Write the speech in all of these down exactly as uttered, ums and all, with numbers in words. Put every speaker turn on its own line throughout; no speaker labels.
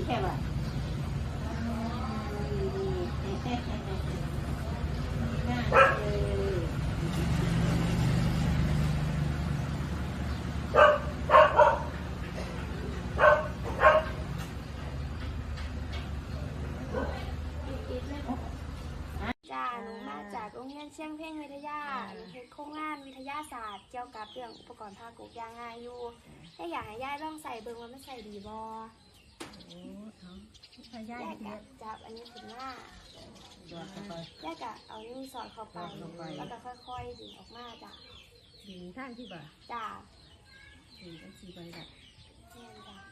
แค่ว่าน่าเออ
จ้าหนูมาจากโรงเรียนเชียงเพ่งวิทยาเฮ็ดโครงงานวิทยาศาสตร์เกี่ยวกับเรื่องอุปกรณ์ภาคกยางงานอยู่ถ้าอยากให้ย่ายลองใส่เบิ่งว่ามันใส่ดีบ่
โอ้เขาพยา
ย่าย
เย
กะ
อะ
จับอันนี้ขึ้นมา
ดอดเข้าไป
ย่ายกะเอานิ้วสอดเข้าไป
สอดเข้าไป
แล้วก็ค่อยๆดึงออกมาจ้ะ
ดีท่านที่บ่า
จ้า
ดีทั้งสี่ใบละ
แม่นจ้ะ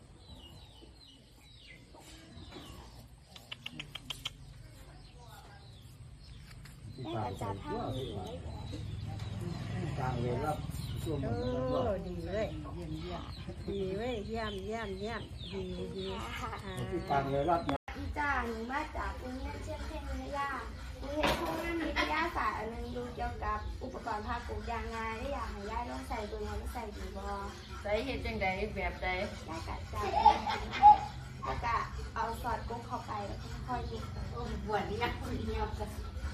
ย่ายกะจับท่านี้เลย
กลางเลยรับช่วง
โอ้
มัน
ดีเลยเยี่ยมเยี่ยมดีเว้ยเยี่ยมเยี่ยมเยี่ยมดีดี
ค่ะ
อ่า
ที่กลางเลยรับเนี่ย
อีจ้าหนูมาจากโรงเรียนเชียงเพ่งวิทยาหนูเฮ็ดโครงงานวิทยาศาสตร์อันนึงดูเกี่ยวกับอุปกรณ์ภาคกยางงานได้อยากให้ย่ายลองใส่เบิ่งว่ามันใส่ดีบ่
ใส่เห็ดจังใดแบบใด
ได้กะจับแล้วก็เอาซอสกุ๊กเข้าไปแล้วก็ค่อยๆดู
บวชนี่นะเงียบกัน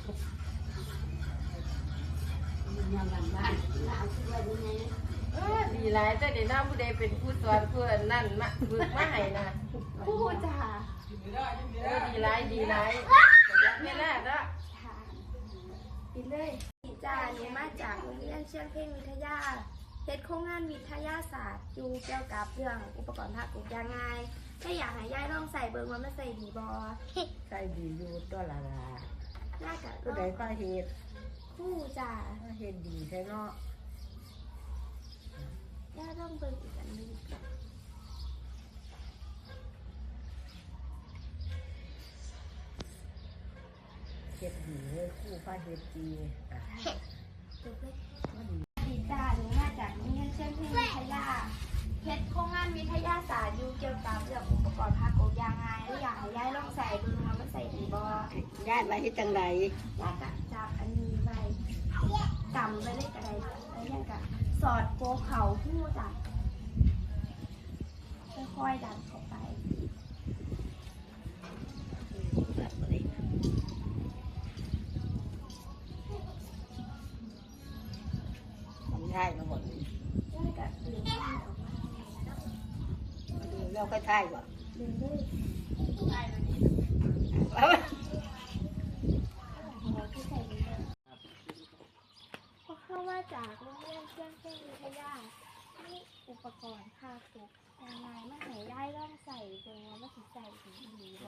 เงียบกันบ้าน
แล้วเอาขึ้นไว้ดูไง
เออดีหลายแต่เดี๋ยวน้าผู้ใดเป็นผู้สอนผู้นั่นมาฝึกมาให้นะ
พูดจ้า
เออดีหลายดีหลายเวลาเนาะ
ค่ะปิดเลยจ้าหนูมาจากโรงเรียนเชียงเพ่งวิทยาเฮ็ดโครงงานวิทยาศาสตร์อยู่เกี่ยวกับเรื่องอุปกรณ์ภาคกยางงานถ้าอยากให้ย่ายลองใส่เบิ่งว่ามันใส่ดีบ่
ใครดีอยู่ตัวละละ
น่าจะ
ผู้ใดก็เฮ็ด
คู่จ้า
ก็เฮ็ดดีแท้เนาะ
ย่าต้องเบิ่งอีกอันหนึง
เฮ็ดดีเลยคู่ก็เฮ็ดดีอ่ะ
จบเลย
ก็ดี
ดีจ้าหนูมาจากโรงเรียนเชียงเพ่งวิทยาเฮ็ดโครงงานวิทยาศาสตร์อยู่เกี่ยวกับเรื่องอุปกรณ์ภาคกยางงานแล้วอยากให้ย่ายลองใส่เบิ่งว่ามันใส่ดีบ่
ย้ายมาเฮ็ดจังได
ย่ากะจับอันนี้ไว้กำไว้เลยก็ได้แล้วยังกะสอดโกเขาหู้จ้ะค่อยๆดันเข้าไป
ทำย้ายมาหมด
ย่ากะดึงมันออกมา
ดูแล้วค่อยท้ายบ่
ดึงเลย
เอา
หัวที่ใส่ดีเลยพอเข้ามาจากโรงเรียนเชียงเพ่งวิทยานี่อุปกรณ์ภาคกยางงานมาให้ย่ายลองใส่เบิ่งว่ามันสิใส่ดีดีบ่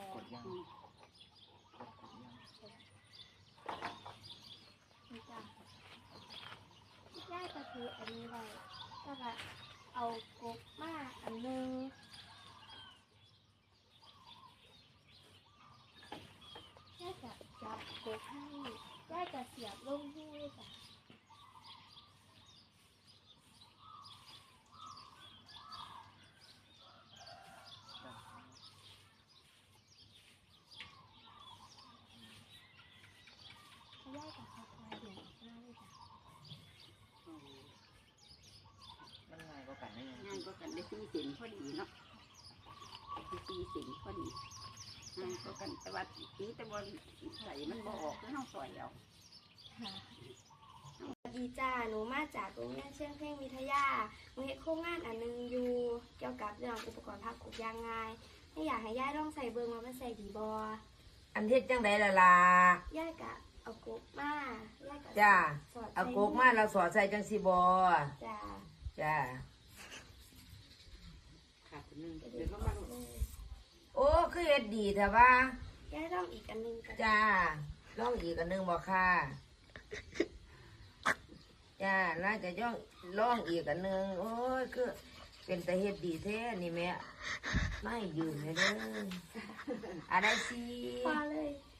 นี่จ้ะย่ายก็คืออันนี้ไว้แล้วก็เอากบมาอันหนึงย่ายจะจับกบให้ย่ายจะเสียบลงหูจ้ะย่ายจะค่อยๆเดี่ยวหน้าเลยจ้ะ
มันง่ายกว่ากันได้ยัง
งานก็กันได้สี่สินพอดีเนาะได้สี่สินพอดีงานก็กันแต่ว่าตีแต่บอลใส่มันบ่ออกแล้วต้องสอยเอา
ค่ะสวัสดีจ้า หนูมาจากโรงเรียนเชียงเพ่งวิทยาหนูเฮ็ดโครงงานอันหนึงอยู่เกี่ยวกับเรื่องอุปกรณ์ภาคกยางงานถ้าอยากให้ย่ายลองใส่เบิ่งว่ามันใส่ดีบ่
อันเฮ็ดจังใดล่ะล่ะ
ย่ายกะเอากบมาย่ายกะ
จ้า
สอดใส่
เอาโกกมาเราสอดใส่จังสิบ่
จ้า
จ้า
ขาดคนนึง
ก็
เดี๋
ดึ
ยว
ง
ก็
อ
มา
อกเลย
โอ้คือเฮ็ดดีแต่ว่า
ย่ายลองอีกอันหนึงกัน
จ้าลองอีกอันหนึงบ่ค่ะจ้าน่าจะย่องลองอีกอันหนึงโอ้ยคือเป็นแต่เฮ็ดดีแท้นี่แม่ไม่ยืนเลยเด้ออะไรสิ
พอเลย
จ